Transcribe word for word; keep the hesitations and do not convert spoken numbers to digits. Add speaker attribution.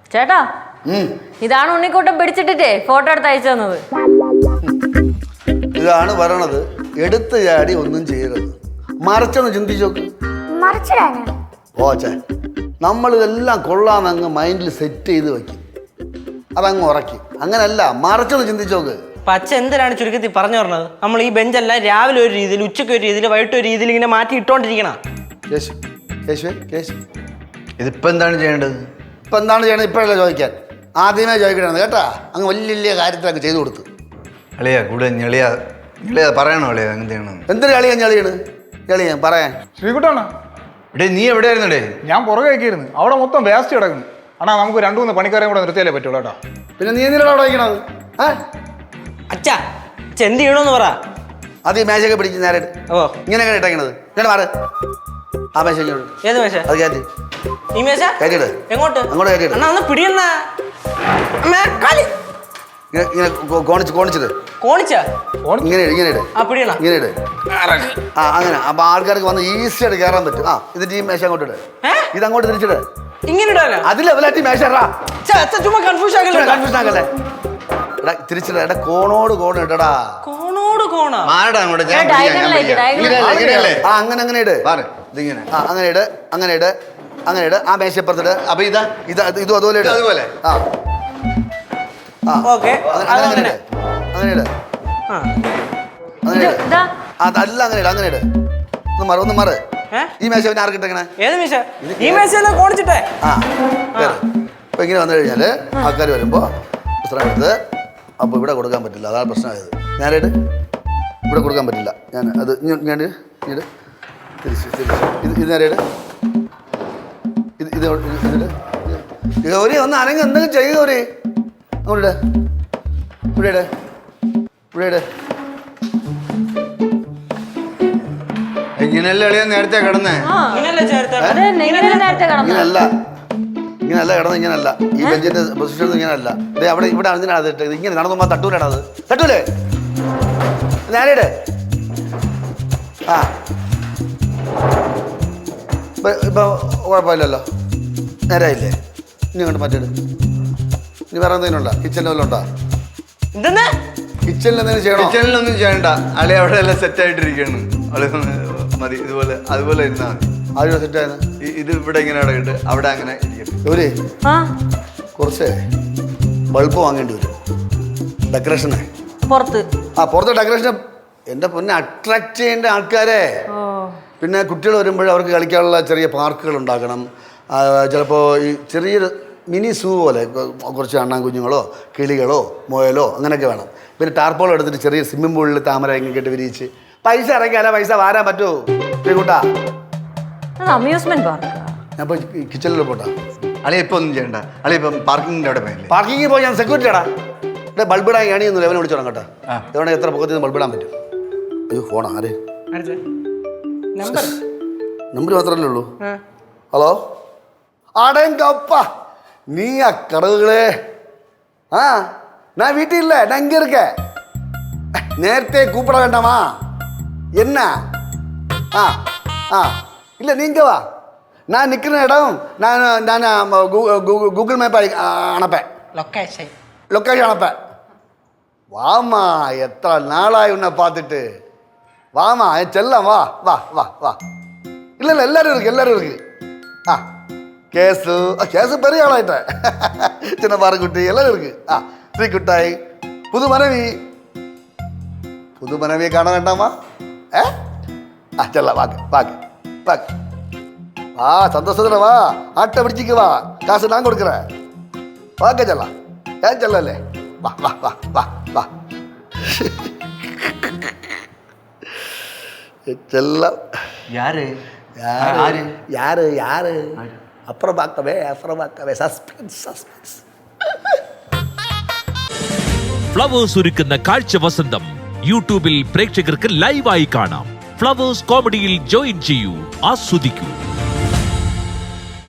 Speaker 1: ചേട്ടാ ഇതാണ് ഉണ്ണിക്കൂട്ടം പിടിച്ചിട്ടിട്ടേ ഫോട്ടോ എടുത്ത് അയച്ചു തന്നത്.
Speaker 2: ഇതാണ് പറയണത്, എടുത്ത് ചാടി ഒന്നും ചെയ്യരുത്, മറിച്ചൊന്ന് ചിന്തിച്ചോക്ക്. ഓച്ചേ, നമ്മളിതെല്ലാം കൊള്ളാന്നങ്ങ് മൈൻഡിൽ സെറ്റ് ചെയ്ത് വെക്കും, അതങ്ങ് ഉറക്കി. അങ്ങനല്ല, മറിച്ചൊന്ന് ചിന്തിച്ചോക്ക്.
Speaker 3: പച്ച എന്തിനാണ് ചുരുക്കത്തിൽ പറഞ്ഞു പറഞ്ഞത്? നമ്മൾ ഈ ബെഞ്ചെല്ലാം രാവിലെ ഒരു രീതിയിൽ, ഉച്ചയ്ക്ക് ഒരു രീതിയിൽ, വൈകിട്ട് ഒരു രീതിയിൽ ഇങ്ങനെ മാറ്റി ഇട്ടോണ്ടിരിക്കണം.
Speaker 2: കേശു കേശുവേ കേശു,
Speaker 4: ഇതിപ്പോ എന്താണ് ചെയ്യേണ്ടത്?
Speaker 2: ഇപ്പം എന്താണ് ചെയ്യണത് ഇപ്പോഴല്ല ചോദിക്കാൻ, ആദ്യമേ ചോദിക്കണത് കേട്ടാ. അങ്ങ് വലിയ വലിയ കാര്യത്തിലൊക്കെ ചെയ്തു കൊടുത്തു.
Speaker 4: അളിയാ കൂടെ ഞെളിയാ ഞെളിയാ പറയണോ അളിയാ എന്ത് ചെയ്യണം?
Speaker 2: എന്തൊരു കളിയാ ഞെളിയാണ് ഞെളിയാൻ പറയാൻ.
Speaker 5: ശ്രീകുട്ടാണ്
Speaker 4: എടേ നീ എവിടെയായിരുന്നടേ?
Speaker 5: ഞാൻ പുറകെ ആക്കിയിരുന്നു, അവിടെ മൊത്തം വേസ്റ്റ് കിടക്കുന്നു. അണ്ണാ നമുക്ക് രണ്ടു മൂന്ന് പണിക്കാരെയും കൂടെ നിർത്തിയാലേ പറ്റുള്ളൂ കേട്ടോ.
Speaker 2: പിന്നെ നീ എന്തിനാണ് അവിടെ വയ്ക്കണത്? ഏ
Speaker 3: അച്ഛാ എന്ത് ചെയ്യണമെന്ന് പറ.
Speaker 2: അത് ഈ മേശയൊക്കെ പിടിച്ച് നേരെ
Speaker 3: ഓ
Speaker 2: ഇങ്ങനെയൊക്കെ ഇട്ടേക്കണത്. ഇങ്ങനെ മാറ്, ആ മേശ ഇങ്ങോട്ട്.
Speaker 3: ഏത് മേശ?
Speaker 2: അത് കയറ്റി
Speaker 3: ഈ മേശ
Speaker 2: കയറ്റിയിട്.
Speaker 3: എങ്ങോട്ട്?
Speaker 2: അങ്ങോട്ട് കയറ്റിയിട്.
Speaker 3: അണ്ണാ ഒന്ന് പിടിയണ്ണ.
Speaker 2: ഇങ്ങനെ ഇങ്ങനെ കോണിച്ച് കോണിച്ചിട്ട്
Speaker 3: കോണിച്ചാ
Speaker 2: ഇങ്ങനെ ഇട്, ഇങ്ങനെ ഇട്,
Speaker 3: ആ പിടിയണ
Speaker 2: ഇങ്ങനെ ഇട്. ആ അങ്ങനെ അപ്പൊ ആൾക്കാർക്ക് വന്ന് ഈസി ആയിട്ട് കയറാൻ പറ്റും. ആ ഇത് ഈ മേശ അങ്ങോട്ട് ഇട്, ഇത് അങ്ങോട്ട് തിരിച്ചിട്.
Speaker 3: ഇങ്ങനെ ഇടാനാ?
Speaker 2: അത് ലെവലായിട്ട് മേശ
Speaker 3: ചുമ്മാ കൺഫ്യൂഷൻ ആക്കല്ലേ.
Speaker 2: കൺഫ്യൂഷൻ ആക്കല്ലേ. എടാ തിരിച്ചിട, എടാ കോണോട് കോണ് ഇടടാ.
Speaker 3: കോണോട് കോണാ?
Speaker 4: മാറടാ അങ്ങോട്ട്. ഞാൻ
Speaker 1: ഡയഗണലായിട്ട് ഡയഗണൽ.
Speaker 2: ആ അങ്ങനെ അങ്ങനെ ഇട്.
Speaker 4: ഇതിങ്ങനെ
Speaker 2: ആ അങ്ങനെ ഇട്, അങ്ങനെ ഇട്, അങ്ങനെ ഇട്. ആ മേശപ്പുറത്തിട്.
Speaker 4: അപ്പൊ ഇതാ
Speaker 2: ഇത് ഇതും അതുപോലെ ഇട്.
Speaker 4: അതുപോലെ
Speaker 2: ആ ആ
Speaker 3: ഓക്കെ
Speaker 2: അങ്ങനെ അങ്ങനെ ഇട്, അങ്ങനെ ഇട്,
Speaker 3: ആ
Speaker 2: അങ്ങനെ ഇട്.
Speaker 1: ഇതാ
Speaker 2: അതല്ല അങ്ങനെ ഇട്, അങ്ങനെ ഇട്. ഒന്ന് മാറ്, ഒന്ന് മാറ്. ഈ മേശ പിന്നെ ആർക്കിട്ടെങ്ങനെ?
Speaker 3: ഏത് മേശ? ഈ മേശ കോണിച്ചിട്ടേ.
Speaker 2: ആ കേറ്. അപ്പൊ ഇങ്ങനെ വന്നു കഴിഞ്ഞാല് ആൾക്കാർ വരുമ്പോ പുസ്തകം എടുത്ത് അപ്പൊ ഇവിടെ കൊടുക്കാൻ പറ്റില്ല, അതാണ് പ്രശ്നമായത്. ഞാനായിട്ട് ഇവിടെ കൊടുക്കാൻ പറ്റില്ല. ഞാൻ അത് ഞാൻ ഇട് തിരിച്ച് തിരിച്ച് ഇത് ഇത് നേരെയിട്, ഇത് ഇത് ഇതിട്ട് ഗൗരി ഒന്ന് അനങ്ങ് എന്തെങ്കിലും ചെയ്യുക ഗൗരി. അങ്ങോട്ട് ഇവിടെ ഇട്, ഇവിടെ ഇട്.
Speaker 4: ഇങ്ങനെയല്ലേ അളിയാ നേരത്തെ കിടന്നേ?
Speaker 2: ഇങ്ങനല്ല, ഇങ്ങനല്ല കിടന്ന്, ഇങ്ങനല്ല. ഈ ബെഞ്ചിന്റെ പൊസിഷൻ ഇങ്ങനല്ല. ഇതേ അവിടെ ഇവിടെ അതിനാണ് അത് ഇട്ടത്. ഇങ്ങനെ നടന്നുമ്പോ തട്ടൂലാണ് അത്. തട്ടൂലേ? നേരെയിട്. ആ ഇപ്പൊ കുഴപ്പമില്ലല്ലോ, നേരായില്ലേ? ഇനി അങ്ങോട്ട് മറ്റേട്. ഇനി വേറെ എന്തെങ്കിലും ഉണ്ടോ? കിച്ചണിൽ വല്ലതും ഉണ്ടോ? കിച്ചണിൽ എന്തെങ്കിലും ചെയ്യണോ?
Speaker 4: കിച്ചണിലൊന്നും ചെയ്യണ്ട അളി, അവിടെ എല്ലാം സെറ്റ് ആയിട്ടിരിക്കുകയാണ്. അളി മതി, ഇതുപോലെ അതുപോലെ ഇരുന്നാ മതി.
Speaker 2: ആദ്യം സെറ്റ് ആയത്
Speaker 4: ഇത് ഇവിടെ ഇങ്ങനെ ഇടയിട്ട് അവിടെ അങ്ങനെ ഇരിക്കും.
Speaker 2: ഒരു കുറച്ച് ബൾബ് വാങ്ങേണ്ടി വരും ഡെക്കറേഷന്
Speaker 1: പുറത്ത്.
Speaker 2: ആ പുറത്തെ ഡെക്കറേഷൻ എൻ്റെ പൊന്നെ അട്രാക്ട് ചെയ്യേണ്ട ആൾക്കാരെ. പിന്നെ കുട്ടികൾ വരുമ്പോൾ അവർക്ക് കളിക്കാനുള്ള ചെറിയ പാർക്കുകൾ ഉണ്ടാക്കണം. ചിലപ്പോൾ ഈ ചെറിയൊരു മിനി സൂ പോലെ കുറച്ച് അണ്ണാൻ കുഞ്ഞുങ്ങളോ കിളികളോ മുയലോ അങ്ങനെയൊക്കെ വേണം. പിന്നെ ടാർപ്പോൾ എടുത്തിട്ട് ചെറിയ സ്വിമ്മിംഗ് പൂളിൽ താമര ഇങ്ങനെ കെട്ടി വിരിയിച്ച് പൈസ ഇറങ്ങിയാലേ പൈസ വാരാൻ പറ്റുമോ കൂട്ടാ?
Speaker 1: Amusement park.
Speaker 2: ഞാൻ ഇപ്പോൾ കിച്ചണിൽ പോട്ടാ.
Speaker 4: അളി ഇപ്പൊ ഒന്നും ചെയ്യണ്ട അളി, ഇപ്പം പാർക്കിങ്ങിന്റെ അവിടെ പോയില്ലേ?
Speaker 2: പാർക്കിങ്ങിൽ പോയി ഞാൻ സെക്യൂരിറ്റി ആടാ. ഇവിടെ ബൾബിടാൻ എണിയൊന്നും ലെവനെ വിളിച്ചോളാം കേട്ടോ. എവിടെ എത്ര പൊക്കത്തിൽ നിന്ന് ബൾബിടാൻ പറ്റും? അയ്യോ ഫോണാ ആര്? നമ്പർ മാത്രമല്ലേ ഉള്ളൂ. ഹലോ അടങ്കപ്പ നീ ആ കടവുകളെ. ആ ഞാൻ വീട്ടിൽ ഇല്ല, ഞാൻ ഇങ്ങ இருக்க. നേരത്തെ கூப்பிட வேண்டாமா என்ன? ஆ ஆ இல்லை நீங்கள் வா, நான் நிற்கிற இடம் நான் நான் கூகுள் மேப் அனுப்பேன்,
Speaker 3: ലൊക്കേഷൻ
Speaker 2: லொக்கேஷன் அனுப்பேன். வாமா எத்தனை நாளாய் உன்னை பார்த்துட்டு. வாமா என் செல்லம், வா வா வா வா. இல்லை இல்லை எல்லாரும் இருக்கு, எல்லாரும் இருக்கு. ஆ கேஸு கேஸு பெரிய ஆளாயிட்டேன். சின்ன பாறைக்குட்டி எல்லாரும் இருக்கு. ஆ ஸ்ரீகுட்டாய் புது மனைவி. புது மனைவியை காண வேண்டாமா? ஏ ஆ செல்ல வாங்க வாங்க வாங்க. வா சந்தோஷத்துல வா, ஆட்டை பிடிச்சிக்கு வா, காசு நான் கொடுக்குறேன். வாங்க செல்லாம், ஏன் செல்லலே? வா வா வா வா வா. செல்லம்
Speaker 4: யாரு
Speaker 2: யாரு யாரு யாரு? அப்புறம் பார்க்கவே அப்புறம் பார்க்கவே. Suspense suspense.
Speaker 6: ഫ്ലവേഴ്സ് ഒരുക്കുന്ന കാഴ്ച വസന്തം യൂട്യൂബിൽ പ്രേക്ഷകർക്ക് ലൈവായി കാണാം. ഫ്ലവേഴ്സ് കോമഡിയിൽ ജോയിൻ ചെയ്യൂ, ആസ്വദിക്കൂ.